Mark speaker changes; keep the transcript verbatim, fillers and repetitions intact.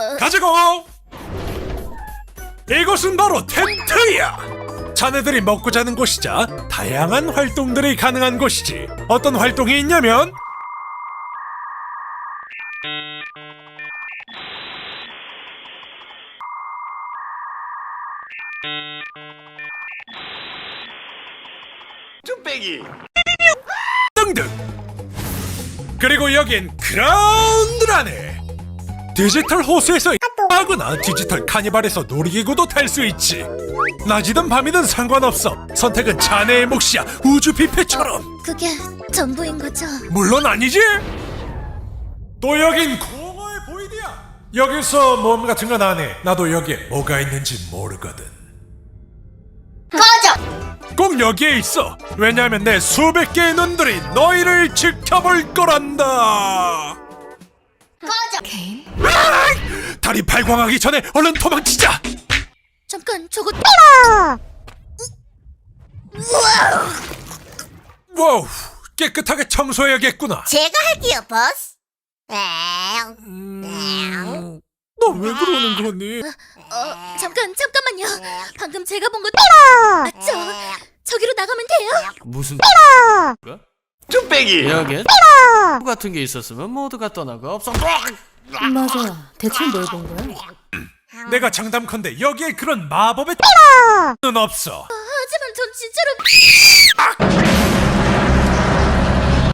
Speaker 1: 가지고! 이곳은 바로 텐트야! 자네들이 먹고 자는 곳이자 다양한 활동들이 가능한 곳이지. 어떤 활동이 있냐면
Speaker 2: 쭈빼기
Speaker 1: 등등. 그리고 여긴 그라운드라네. 디지털 호수에서 하거나 디지털 카니발에서 놀이기구도 탈 수 있지. 낮이든 밤이든 상관없어. 선택은 자네의 몫이야. 우주 뷔페처럼.
Speaker 3: 그게 전부인 거죠?
Speaker 1: 물론 아니지. 또 여긴 공허의 보이드야. 여기서 모험 같은 건 안 해. 나도 여기에 뭐가 있는지 모르거든.
Speaker 3: 꺼져!
Speaker 1: 꼭 여기에 있어. 왜냐하면 내 수백 개의 눈들이 너희를 지켜볼 거란다.
Speaker 3: 꺼져!
Speaker 1: 아이! 다리 발광하기 전에 얼른 도망치자.
Speaker 3: 잠깐 저거
Speaker 1: 와우, 깨끗하게 청소해야겠구나.
Speaker 3: 제가 할게요, 보스.
Speaker 1: 음... 너 왜 그러는 거니?
Speaker 3: 어, 잠깐, 잠깐만요. 방금 제가 본 거 맞죠? 저기로 나가면 돼요?
Speaker 4: 무슨
Speaker 2: 쭈빼기
Speaker 4: 여기 같은 게 있었으면 모두가 떠나고 없어.
Speaker 5: 맞아. 대체 뭘 본 거야?
Speaker 1: 내가 장담컨대 여기에 그런 마법의 는 없어.
Speaker 3: 하지만 전 진짜로